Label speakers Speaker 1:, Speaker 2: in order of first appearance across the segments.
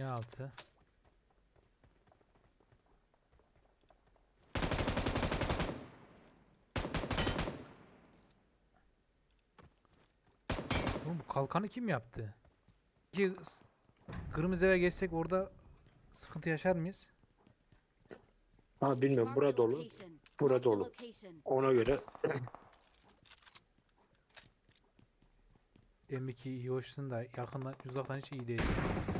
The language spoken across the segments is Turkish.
Speaker 1: Niye altı? Oğlum bu kalkanı kim yaptı? Kırmızı eve geçsek orada sıkıntı yaşar mıyız?
Speaker 2: Ha bilmiyorum,
Speaker 3: Marked a
Speaker 2: bura dolu.
Speaker 3: location.
Speaker 2: Bura
Speaker 3: Marked a
Speaker 2: dolu.
Speaker 3: location.
Speaker 2: Ona göre
Speaker 1: M2 iyi hoşsun da yakından uzaktan hiç iyi değil.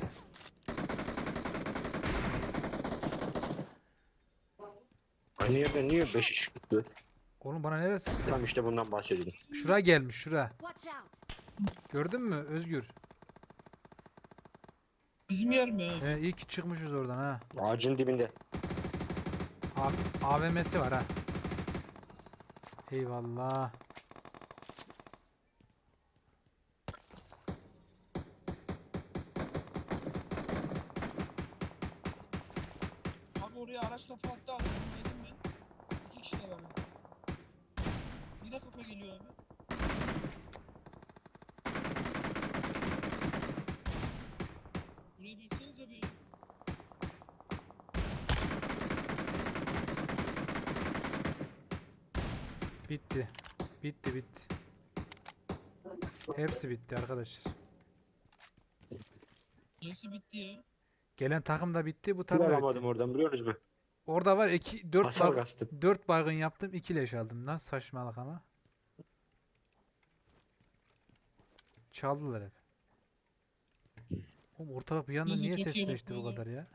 Speaker 2: aynı yerde niye 5 iş gidiyor?
Speaker 1: Oğlum bana neresi?
Speaker 2: Tam işte bundan bahsediyorum.
Speaker 1: Şura gelmiş şura.
Speaker 3: Watch out.
Speaker 1: Gördün mü Özgür?
Speaker 4: Bizim yer mi?
Speaker 1: İyi ki çıkmışız oradan ha.
Speaker 2: Ağacın dibinde.
Speaker 1: AVM'si var ha. Eyvallah.
Speaker 4: Abi oraya araçla fırlattı abi. Yedim ben. 2 kişi de var. Yine kafa geliyor abi. Buraya baksana abi.
Speaker 1: Bitti. Bitti bitti. Hepsi bitti arkadaşlar.
Speaker 4: Nasıl bitti ya?
Speaker 1: Gelen takım da bitti, bu
Speaker 2: Bir
Speaker 1: takım da
Speaker 2: alamadım
Speaker 1: bitti.
Speaker 2: oradan, biliyor musunuz?
Speaker 1: Orada var 2 4
Speaker 2: Hasar bastım.
Speaker 1: 4 baygın yaptım, 2 leş aldım. Nasıl saçmalık ama. Çaldılar hep. Oğlum ortalık bir anda
Speaker 4: Neyse,
Speaker 1: niye
Speaker 4: çok iyi
Speaker 1: sesleşti bu
Speaker 4: bakıyorlar.
Speaker 1: kadar ya?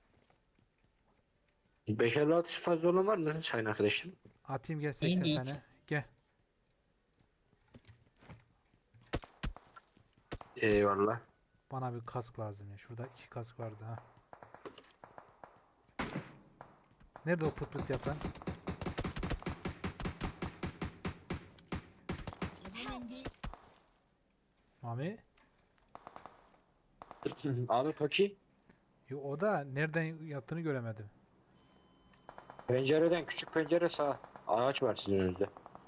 Speaker 2: 556 fazla olan var mı sayın arkadaşım?
Speaker 1: Atayım gel
Speaker 4: Benim
Speaker 1: 80
Speaker 4: de
Speaker 1: tane.
Speaker 4: hiç.
Speaker 1: Gel.
Speaker 2: Eyvallah.
Speaker 1: Bana bir kask lazım ya. Şurada 2 kask vardı ha. Nerede o pıt pıt yapan?
Speaker 4: Adam indi.
Speaker 1: Mami?
Speaker 2: Abi Toki,
Speaker 1: Yo, o da nereden yattığını göremedim.
Speaker 2: pencereden, küçük pencere sağ. Ağaç var sizin önünüzde.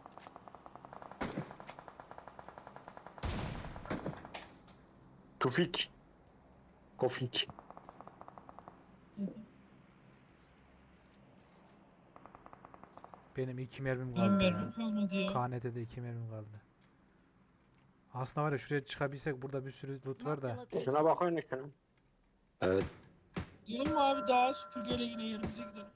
Speaker 2: Tufik. Kofik.
Speaker 1: Benim 2 mermim
Speaker 4: Benim
Speaker 1: kaldı
Speaker 4: mermim
Speaker 1: ya.
Speaker 4: kalmadı ya.
Speaker 1: KNT'de 2 mermim kaldı. Aslında var ya, şuraya çıkabilsek burada bir sürü loot var
Speaker 3: Marked a
Speaker 1: da.
Speaker 2: Şuna
Speaker 3: location.
Speaker 2: bakın şuna. Evet.
Speaker 4: Gidelim mi abi, daha süpürgeyle yine yerimize gidelim.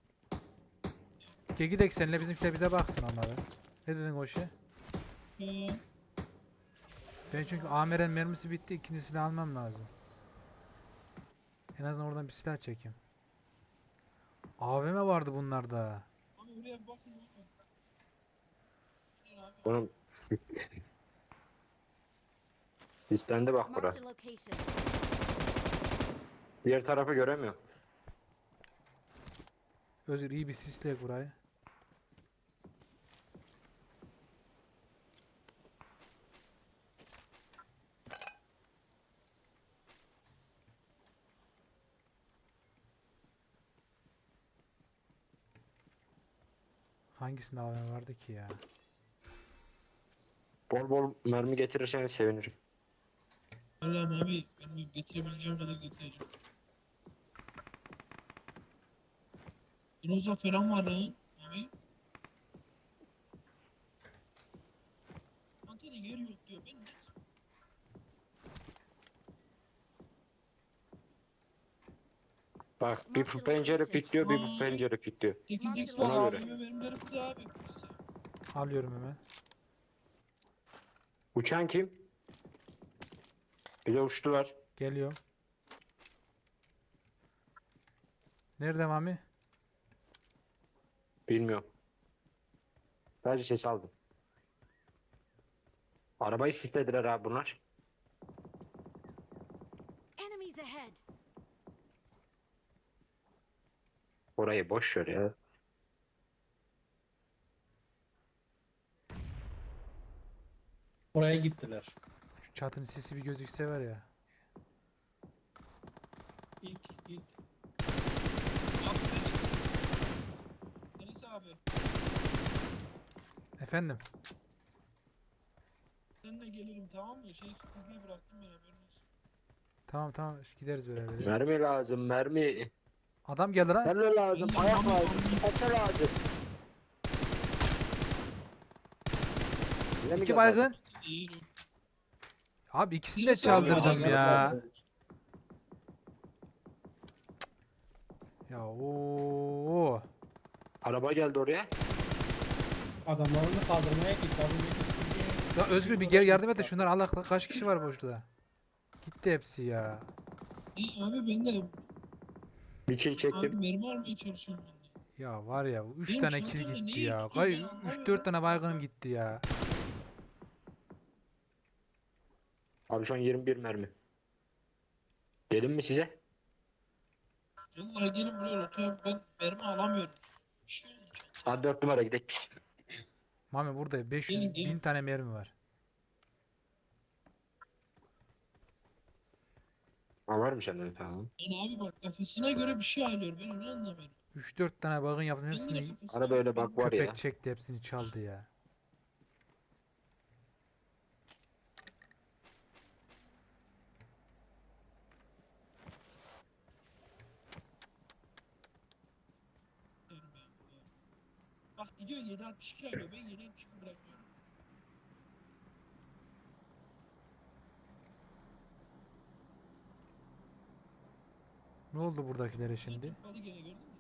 Speaker 1: Gel gidelim seninle, bizimkiler bize baksın onları. Ne dedin o şey?
Speaker 4: Ee,
Speaker 1: Ben çünkü AMR'nin mermisi bitti, ikincisini almam lazım. En azından oradan bir silah çekeyim. AVM vardı bunlarda.
Speaker 4: abi oraya bir bakın. Bakın. Gel abi.
Speaker 2: Bunun listende bak bura.
Speaker 3: Marked a location.
Speaker 2: Diğer tarafı göremiyorum.
Speaker 1: Özgür iyi bir sisleyek burayı. Hangisinde AVM vardı ki ya?
Speaker 2: Bol bol mermi getirirseniz sevinirim.
Speaker 4: Allah'ım abi, ben getirebileceğim kadar getireceğim. Roza falan var lan abi. Antalya'da yer yok diyor. Ben ne?
Speaker 2: Bak bir bu pencere pikliyor, bir bu pencere pikliyor.
Speaker 4: 8x var
Speaker 2: Ona göre.
Speaker 4: abime, benim de burada abi. Neyse.
Speaker 1: Alıyorum hemen.
Speaker 2: Uçan kim? Bize uçtular.
Speaker 1: Geliyorum. Nerede Mami?
Speaker 2: Bilmiyorum. Sadece ses aldım. Arabayı sislediler abi bunlar.
Speaker 3: Enemies ahead.
Speaker 2: Orayı boş ver ya.
Speaker 4: Oraya gittiler.
Speaker 1: Şu çatının sesi bir gözükse var ya.
Speaker 4: İlk. Abi ben çıktım. Deniz abi.
Speaker 1: Efendim?
Speaker 4: Seninle gelirim, tamam mı? Süpürgeyi bıraktım ben, haberin olsun.
Speaker 1: Tamam tamam gideriz beraber.
Speaker 2: Mermi lazım mermi.
Speaker 1: Adam geldi lan.
Speaker 2: Terör lazım,
Speaker 4: Ben de
Speaker 2: ayak
Speaker 4: Mami
Speaker 2: lazım,
Speaker 4: aldım.
Speaker 2: tepe lazım. Bize mi
Speaker 1: İki
Speaker 2: geldi
Speaker 1: baygın.
Speaker 2: adam?
Speaker 4: Değil o.
Speaker 1: Abi ikisini
Speaker 4: Yine
Speaker 1: de
Speaker 4: saldırı
Speaker 1: çaldırdım
Speaker 4: adam
Speaker 1: ya. Ya ooo.
Speaker 2: Araba geldi oraya.
Speaker 3: Adamlarını kaldırmaya git. Az önceki
Speaker 1: Ya Özgür bir gel yardım et de şunlar Allah kaç kişi var boşluğa. Gitti hepsi ya.
Speaker 4: Abi ben de
Speaker 2: Bir kill
Speaker 4: abi
Speaker 2: çektim.
Speaker 4: mermi almaya çalışıyorum ben de.
Speaker 1: Ya var ya 3
Speaker 4: Benim
Speaker 1: tane kill
Speaker 4: çantamda
Speaker 1: gitti
Speaker 4: neyi
Speaker 1: ya.
Speaker 4: tutuyor ben
Speaker 1: 3
Speaker 4: anlamıyorum.
Speaker 1: 4 tane baygınım gitti ya.
Speaker 2: Abi şu an 21 mermi. Dedim mi size?
Speaker 4: Vallahi gelin buraya rotaya ben mermi alamıyorum. Bir şey oldu.
Speaker 2: Hadi 4 numara gidelim biz.
Speaker 1: Mami burada 500
Speaker 4: Gelin, gelin.
Speaker 1: 1000 tane mermi var.
Speaker 2: Ha var mı sende? Tamam.
Speaker 4: Yani abi bak kafasına göre bir şey alıyor ben onu anlamıyorum.
Speaker 1: 3-4 tane baygın yaptım
Speaker 4: Ben de
Speaker 1: hepsini
Speaker 4: kafasına
Speaker 2: Araba öyle
Speaker 4: göre
Speaker 2: bak var
Speaker 1: köpek
Speaker 2: ya.
Speaker 1: çekti hepsini çaldı ya.
Speaker 4: benim ya. Bak gidiyor 7.62 alıyor ben 7.62 bırakıyorum.
Speaker 1: Ne oldu buradakilere şimdi?
Speaker 4: Hadi gene gördün mü?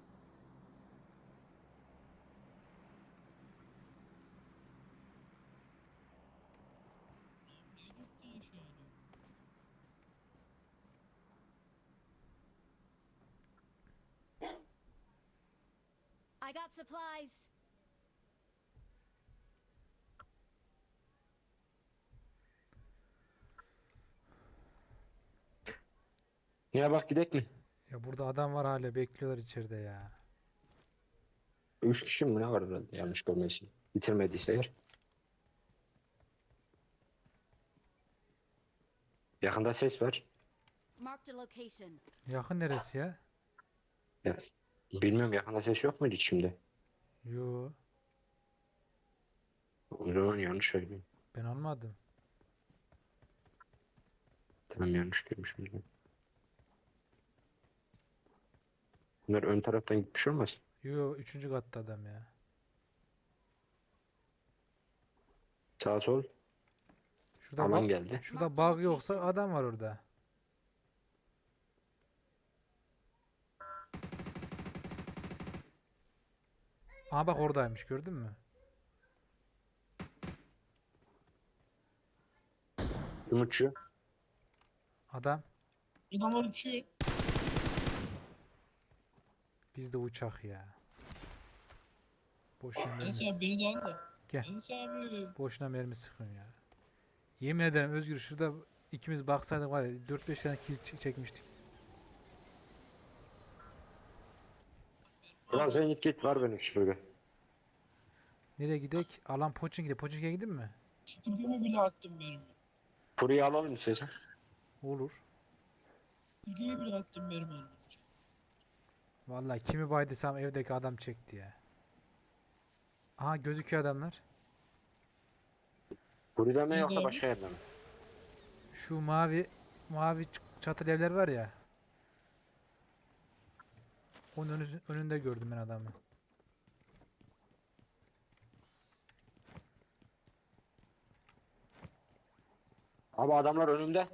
Speaker 4: Niye 4 tane şey alıyor?
Speaker 5: I got supplies.
Speaker 2: Ya bak gidek mi?
Speaker 1: Ya burada adam var hala bekliyorlar içeride ya.
Speaker 2: 3 kişi mi ne var herhalde yanlış görmesi. Bitirmediyse eğer. Yakında ses var.
Speaker 5: Marked a location.
Speaker 1: Yakın neresi ya?
Speaker 2: Ya, bilmiyorum yakında ses yok muydu şimdi?
Speaker 1: Yo
Speaker 2: O zaman yanlış söylüyorum.
Speaker 1: ben almadım.
Speaker 2: Tamam yanlış görmüşüm. Bunlar ön taraftan gitmiş olmaz.
Speaker 1: Yo 3. katta adam ya.
Speaker 2: Sağ sol
Speaker 1: Şurada
Speaker 2: alan
Speaker 1: bug,
Speaker 2: geldi.
Speaker 1: şurada bug yoksa adam var orada. Aa bak oradaymış gördün mü?
Speaker 2: Umutçu.
Speaker 1: Adam
Speaker 4: Adamlar uçuyor.
Speaker 1: bizde uçak ya. Boşuna
Speaker 4: Enes
Speaker 1: mermi,
Speaker 4: abi beni de al da.
Speaker 1: Gel.
Speaker 4: Enes abi.
Speaker 1: boşuna mermi sıkıyorum ya. Yemin ederim Özgür şurada ikimiz baksaydık var ya 4-5 tane kill çekmiştik.
Speaker 2: Ulan sen git var benim süpürge.
Speaker 1: Nereye gidek? Alan Pochinki'de. Pochinki'ye gidin mi?
Speaker 4: Süpürgemi bile attım benim.
Speaker 2: Kuruyu alalım mı size?
Speaker 1: Olur.
Speaker 4: Süpürgeyi bile attım benim almak için.
Speaker 1: Vallahi kimi baydıysam evdeki adam çekti ya. Aha gözüküyor adamlar.
Speaker 2: Kuruda mı
Speaker 4: Nerede
Speaker 2: yoksa
Speaker 4: abi?
Speaker 2: başka yerde mi?
Speaker 1: Şu mavi çatılı evler var ya. Onun önünde gördüm ben adamı.
Speaker 2: Abi adamlar önümde.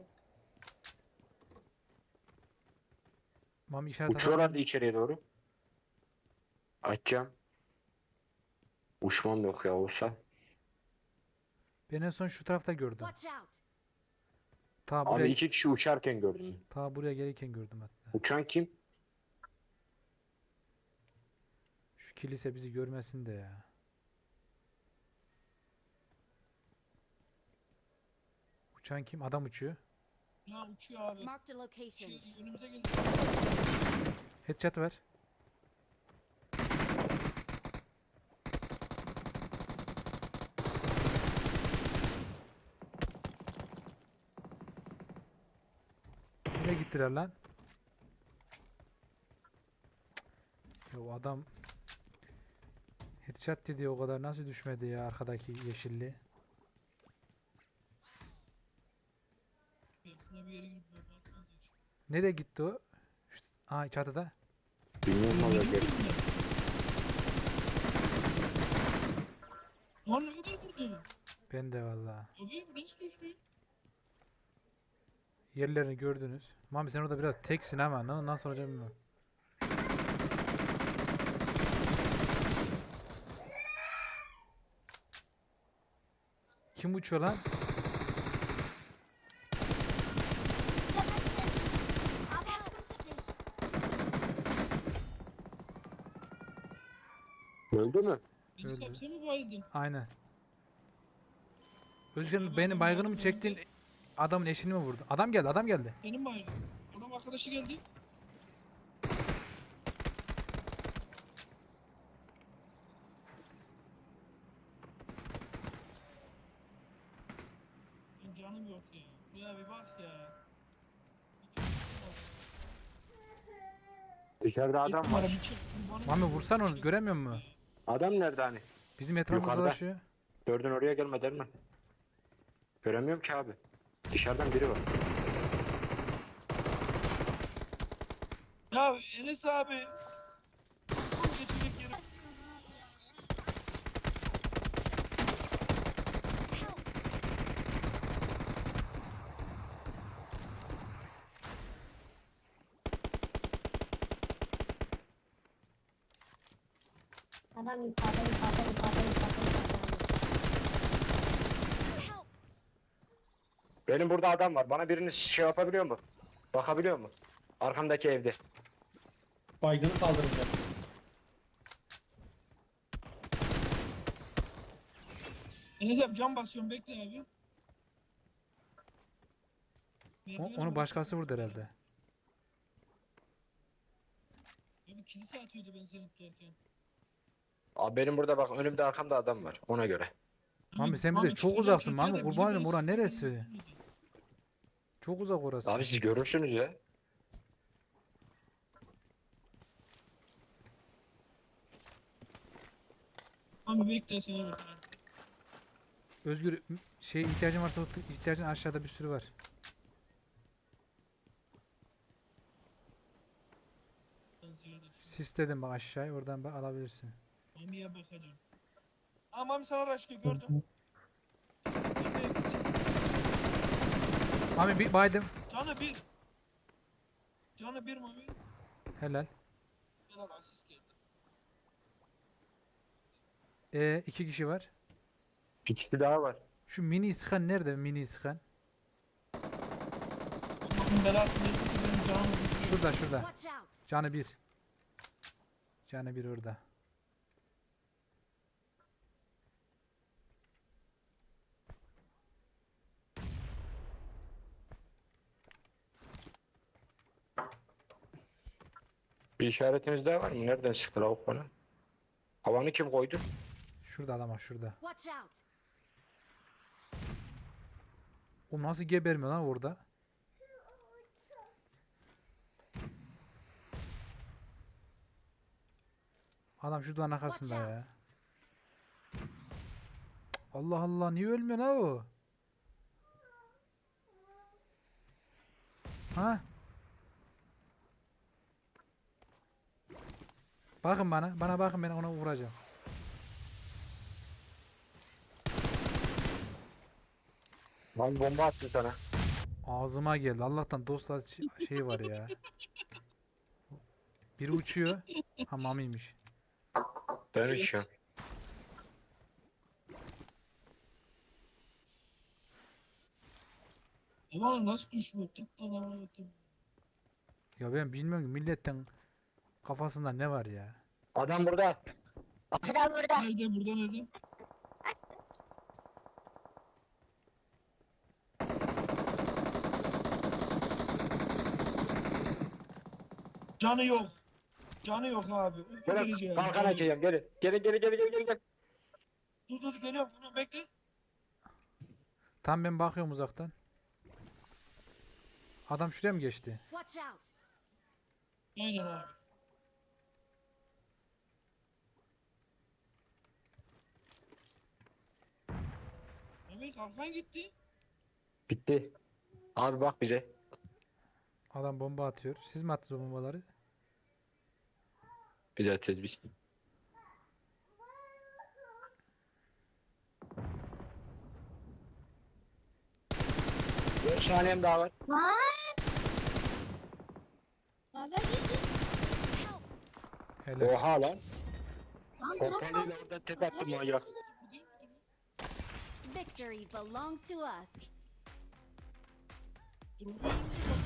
Speaker 1: Mami işaret
Speaker 2: Uçuyorlardı içeriye doğru. Açacağım. Uçmam yok ya olsa.
Speaker 1: Ben en son şu tarafta gördüm.
Speaker 5: Watch out.
Speaker 1: Ta
Speaker 2: Abi
Speaker 1: buraya,
Speaker 2: 2 kişi uçarken gördüm.
Speaker 1: ta buraya gelirken gördüm hatta.
Speaker 2: Uçan kim?
Speaker 1: Şu kilise bizi görmesin de ya. Uçan kim? Adam uçuyor.
Speaker 4: Ya uçuyor abi.
Speaker 5: Marked a location.
Speaker 4: Önümüze geldi.
Speaker 1: Headshot ver. Nereye gittiler lan? Ya o adam headshot dedi o kadar nasıl düşmedi ya arkadaki yeşilli.
Speaker 4: Şuna bir yere girip mermi atmaz ya.
Speaker 1: Nereye gitti o? Aa çatıda.
Speaker 2: Bilmiyorum valla
Speaker 4: Yedim
Speaker 2: gel.
Speaker 4: mi ben? Lan ne kadar vurdu?
Speaker 1: Ben de vallahi.
Speaker 4: Abi bu nasıl düştü?
Speaker 1: Yerlerini gördünüz. Mami sen orada biraz teksin ama nasıl olacak bilmiyorum. Kim uçuyor lan?
Speaker 2: Öldü mü?
Speaker 4: Beni
Speaker 1: Öldü.
Speaker 4: sapsa mı bayıldın?
Speaker 1: Aynen. Özgür benim baygınımı çektin. Adamın eşini mi vurdu? Adam geldi, adam geldi.
Speaker 4: Senin baygın. Adam arkadaşı geldi. Benim canım yok ya. Buraya bir bak ya.
Speaker 2: Dışarıda adam var.
Speaker 1: Mami vursan onu göremiyor musun?
Speaker 2: Adam nerede hani?
Speaker 1: Bizim etrafımızda
Speaker 2: Yukarıda.
Speaker 1: dolaşıyor.
Speaker 2: Gördün oraya gelme der mi? Göremiyorum ki abi. Dışarıdan biri var.
Speaker 4: Ya Enes abi. Geçecek yeri.
Speaker 6: Adam yukarıda.
Speaker 5: Help!
Speaker 2: Benim burada adam var. Bana birini şey yapabiliyor mu? Bakabiliyor mu? Arkamdaki evde.
Speaker 3: Baygını kaldıracak.
Speaker 4: Enes abi cam basıyorum bekle abi.
Speaker 1: Onu başkası vurdu herhalde.
Speaker 4: Abi kilise atıyordu ben seni tutarken.
Speaker 2: Abi benim burada bak önümde arkamda adam var. Ona göre.
Speaker 1: Mami sen bize
Speaker 4: Mami
Speaker 1: çok
Speaker 4: çıkacağım
Speaker 1: uzaksın
Speaker 4: çatıya
Speaker 1: Mami,
Speaker 4: da biri
Speaker 1: kurban olayım,
Speaker 4: beni
Speaker 1: ora
Speaker 4: sıkıyor,
Speaker 1: neresi?
Speaker 4: beni vurdu.
Speaker 1: Çok uzak orası.
Speaker 2: Abi siz görürsünüz ya.
Speaker 4: Mami bekle seni vurdu.
Speaker 1: Özgür şey ihtiyacın varsa ihtiyacın aşağıda bir sürü var.
Speaker 4: Ben ziyade şu-
Speaker 1: Sistedim bak aşağıya, oradan bak alabilirsin.
Speaker 4: Mami'ye bakacağım. Aa Mami sana araçlıyor gördüm.
Speaker 1: Mami bir baydım.
Speaker 4: Canı bir. Canı bir Mami.
Speaker 1: Helal.
Speaker 4: Helal asist geldi.
Speaker 1: İki kişi var.
Speaker 2: Bir kişi daha var.
Speaker 1: Şu mini iskan nerede, mini iskan?
Speaker 4: Allah'ın belası neyse benim canımı bir.
Speaker 1: Şurada.
Speaker 5: Watch out!
Speaker 1: Canı bir. Canı bir orada.
Speaker 2: Bir işaretiniz daha var mı? Nereden çıktı lavuk bana? Havanı kim koydu?
Speaker 1: Şurada adam var, şurada.
Speaker 5: Watch out!
Speaker 1: O nasıl gebermiyor lan orada? Adam şu duvarın arkasında
Speaker 5: Watch
Speaker 1: ya. Cık, Allah Allah, niye ölmüyor lan o? Ha? Bakın bana. Bana bakın, ben ona vuracağım.
Speaker 2: Lan bomba attı sana.
Speaker 1: Ağzıma geldi. Allah'tan dostlar şey var ya. Biri uçuyor. Ha Mami'ymiş.
Speaker 2: Ben uçuyorum.
Speaker 4: Aman nasıl düşmüyor? Tıktan amına koyayım.
Speaker 1: Ya ben bilmiyorum ki milletin kafasında ne var ya.
Speaker 2: Adam burada.
Speaker 6: Adam burada.
Speaker 4: Nerede burada nerede? Canı yok. Canı yok abi. Uyku
Speaker 2: Bırak.
Speaker 4: geleceğim.
Speaker 2: Kalkan
Speaker 4: Canı yok.
Speaker 2: açacağım. Geri. Geri.
Speaker 4: Dur geliyorum. Bunu bekle.
Speaker 1: Tam ben bakıyorum uzaktan. Adam şuraya mı geçti?
Speaker 5: Watch out!
Speaker 4: Aynen abi. Abi kalkan gitti.
Speaker 2: Bitti. Abi bak bize.
Speaker 1: Adam bomba atıyor. Siz mi attınız o bombaları?
Speaker 2: Bir de tezbih. 5 saniyem daha var.
Speaker 6: Lan! Aga git.
Speaker 1: Helal.
Speaker 2: Oha lan.
Speaker 6: Lan drop
Speaker 2: Pompalıyla
Speaker 6: aldım.
Speaker 2: oradan tek attım manyak.
Speaker 5: Victory belongs to us.
Speaker 4: Dur,